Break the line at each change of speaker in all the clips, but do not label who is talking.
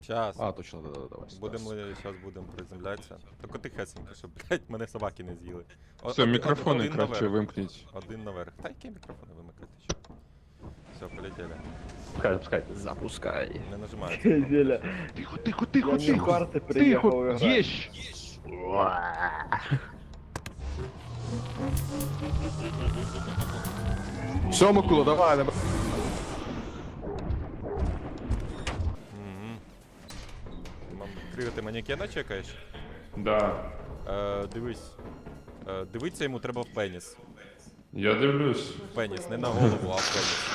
Щас.
А, точно, да, давай.
Щас будемо приземлятися. Тільки тихесенько, щоб, блядь, мене собаки не з'їли.
Все, мікрофони
один
краще
наверх.
вимкніть.
Один наверх. Та які мікрофони вимикати? Що? Все, полетели.
Пускай. Запускай.
Не нажимається.
Зеля.
Тихо,
Я не в карти приїхав грати.
єщ!
Все, Микола, давай, давай.
Криво, ти манекена чекаєш?
Да.
Дивись. Дивиться йому треба в пеніс.
Я дивлюсь.
В пеніс, не на голову, а в пеніс.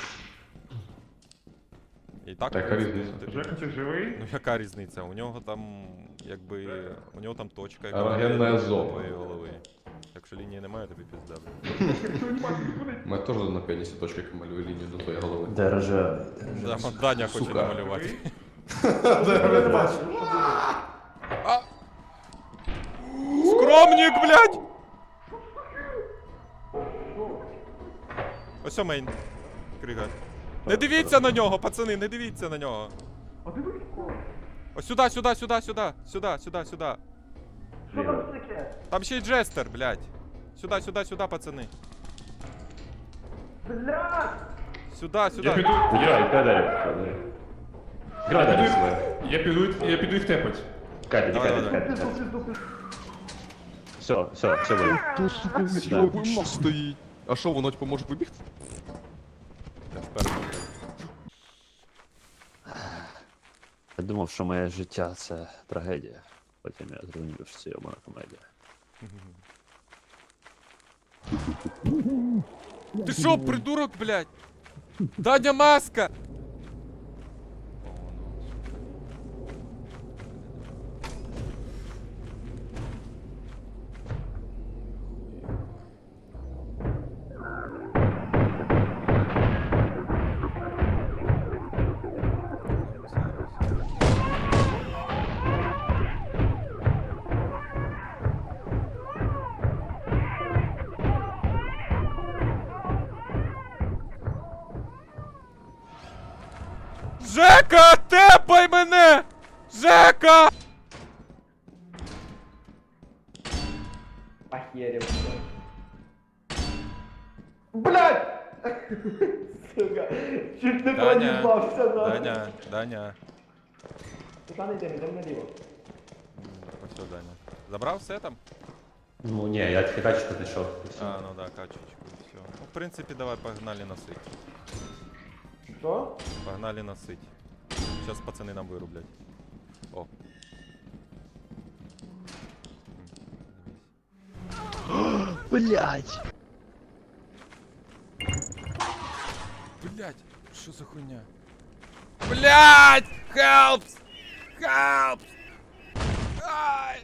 І так,
Така
в принципі,
різниця.
тобі-
Жека, ти живий?
Ну яка різниця? У нього там, якби, у нього там точка, яка
Ерогенна
до
зона.
твоєї голови. Якщо лінії немає, тобі пізда.
Ми теж на пенісі точки малює лінію до твоєї голови.
Держи.
Да, Даня хоче
Сука.
намалювати. Скромник, блядь! Ось мейн. Крига. Не дивіться на нього, пацани, не дивіться на нього. Ось сюди, сюди, сюди, сюди, сюди, сюди, сюди. Там ще й джестер, блядь. Сюди, сюди, сюди, пацани. Сюди,
Я
сюди.
піду. Я піду їх тепать.
Давай, давай.
Все, буде.
Тут, сука, йобуємо стоїть. А що, воно типу може вибігти?
Я вперед, блядь.
Я думав, що моє життя це трагедія. Потім я зрозумів, що це йомана комедія.
Ти шо, придурок, блядь? Даня маска! Жека, тепай мене! Жека!
Охерел. Блядь! Сука, чуть не
Даня,
проїбався, нахуй.
Даня.
Туди не йдемо наліво.
Ось Даня. Забрав все там?
Ну ні, я тільки качку знайшов.
А, ну да, качечку, все. Ну, в принципі, давай, погнали насить.
Що?
Погнали насить. Сейчас пацаны нам вырублять. О.
Блять!
Блять, что за хуйня? Блять! Help! Help! Ай!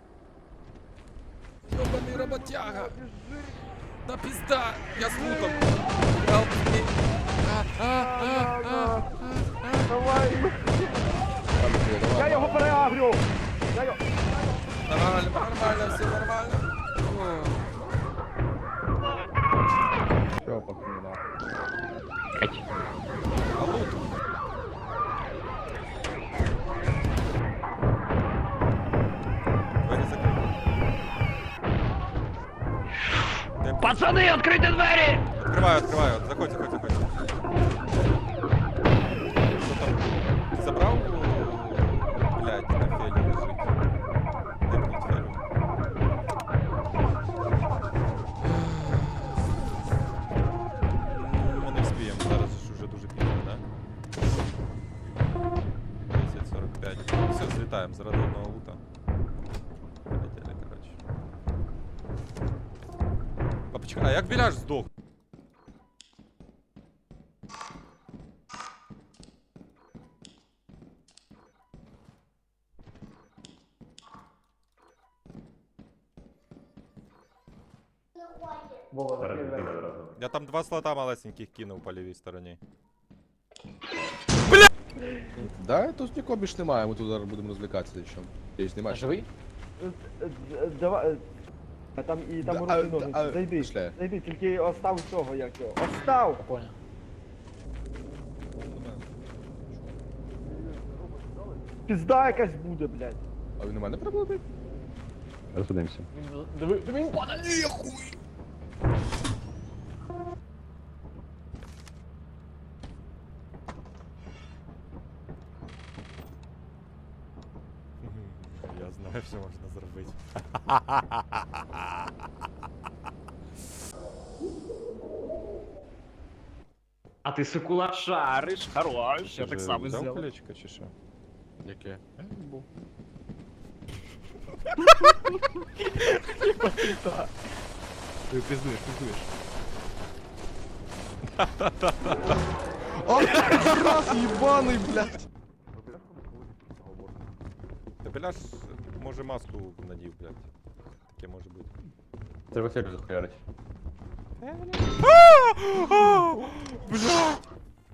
Ёбаный работяга! Да пизда! Я с луком! Help me!
Давай! Я його переагрю!
Нормально, нормально, все нормально.
Все, пацани, нахуй.
А лут? Двері закриті.
Пацани, відкрийте двері!
Открываю, открываю. Заходь, заходь, заходь. Что там? Ты забрал? Блядь, на феле лежит. Тэпнуть фелю. Ми не вспіємо, зараз ж уже дуже пізно, да? 10:45. Все, злітаємо з родного лута. Полетели, короче. Папочка, а як біляш здох?
Вова, закрий двері.
Я там 2 слота малесеньких кинув по лівій стороні.
Да, тут нікого більш немає, ми тут зараз будемо розвлікатися ще. Ти знімаєш?
Живий?
Давай. Там і там
Да,
руки ножниці. Зайди.
пішли.
Зайди, тільки остав цього, як його. Остав!
Понял.
Пізда якась буде, блядь.
А він у мене проблеми?
Розходимося.
Диви, він падає.
Я знаю, що можна зробити.
А ти Сокула шариш, хорош, я так само
Взяв
зробив.
колечко чи що?
Яке?
Ти пиздуєш, пиздуєш.
Раз, їбаний, блядь!
Та Беляш, може маску надів, блядь. Таке може бути.
Треба ферзь захуярить.
Бля!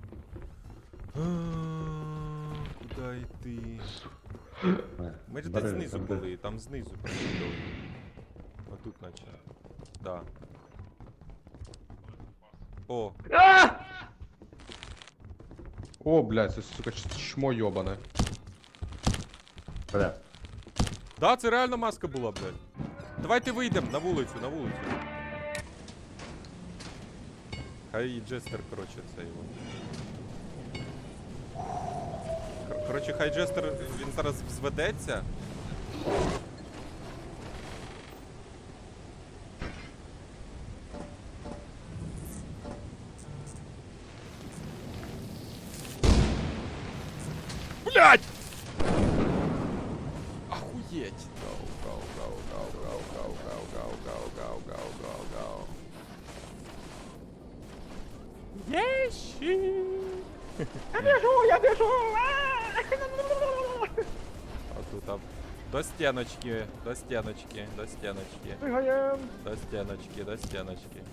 Куда йти? Ми ж десь знизу були, там знизу проходили. Отут наче. Да. О,
О, блядь, це, сука, чмо йобане.
Бля.
да, це реально маска була, блядь. Давайте вийдемо на вулицю, на вулицю. Хай Джестер, короче, це його. Короче, хай Джестер, він зараз взведеться. Блять! Охуеть! Гау, гау, гау, гау, гау, гау, гау, гау, гау, гау, гау, гау, гау. Ещи!
Я біжу!
А тут там до стеночки, до стеночки, до стеночки,
Пригаєм!
до стеночки, до стеночки.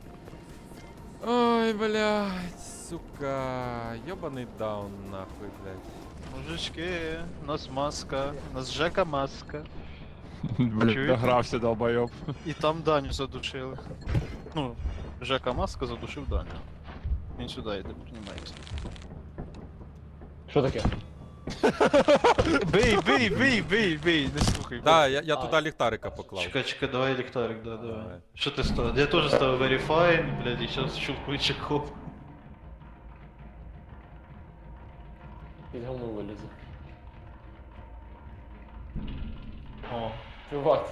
Ой, блядь, сука, ёбаный даун нахуй, блядь.
Мужички, у нас маска, у нас Жека маска.
Блядь,
Чуєте?
догрався, долбойоб.
І там Даню задушили. Ну, Жека маска задушив Даню. Він сюди йде, піднімається.
Що таке?
Бий, не слухай.
Да, я туди ліхтарика поклав.
Чекай, давай ліхтарик, давай.
Давай.
Що ти ставив? Я теж ставив Verify, блядь, і зараз щелкую чеков.
Під говно вилізе.
О,
Чувак.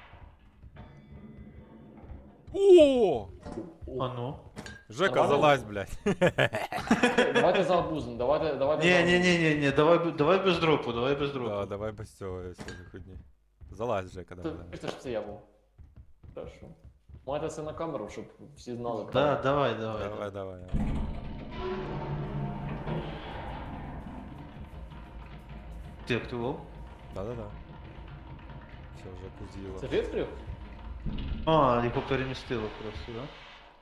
О!
а ну.
Жека,
Нормально?
залазь, блядь.
Давайте за абузом, давайте за абузом.
Ні, давай без дропу, давай без
Да,
дропу.
давай без цього, всього хуйні. Залазь, Жека, давай. давай.
Це ж це я був. Хорошо. Майте це на камеру, щоб всі знали.
Да, давай.
Давай, давай.
Ти активував?
Да-да-да. Все, Жеку з'їла.
Це ти відкрив?
А, його перемістило просто, да?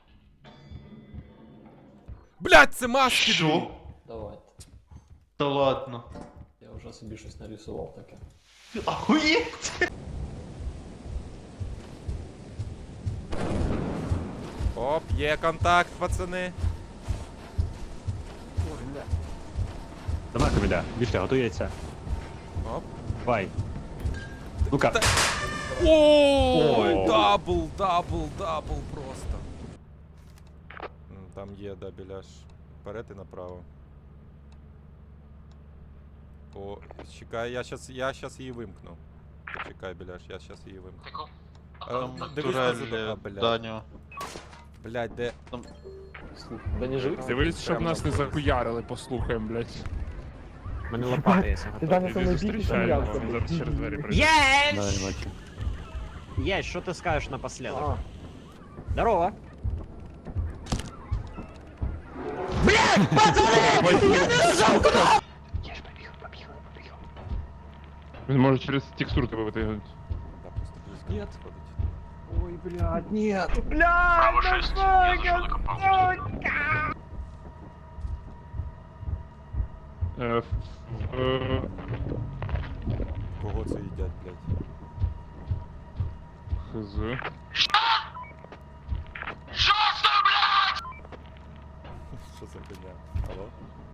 Блядь, це маски!
Що?
Давайте.
Та ладно.
Я вже собі щось нарисував таке.
Охуєть!
Оп, є контакт, пацани.
Давай, Каміля, більше, готується.
Оп.
Давай. Ну-ка.
Ой,
О.
дабл просто. Там є, да, біляш. Вперед і направо. О, чекай, я щас її вимкну. Почекай, біляш, я щас її вимкну. Дивись на
Турель,
задо- а, блядь.
Даню.
Блядь, де?
Слухай, да не живий?
Дивись, щоб нас не захуярили, послухаємо, блядь.
У мене лопата є.
Ти Даня
Іди
со мною
зустрічаємо,
бігти,
він зараз через двері прийде.
Давай, бачу.
Есть, что ты скажешь напоследок?
А,
Здорово.
Він може через текстуру тебе витягнути.
Да, просто близько
Нет.
підходить.
Ой, блядь, нет.
Кого це їдять, блядь?
Хз.
Що за хуйня? Алло?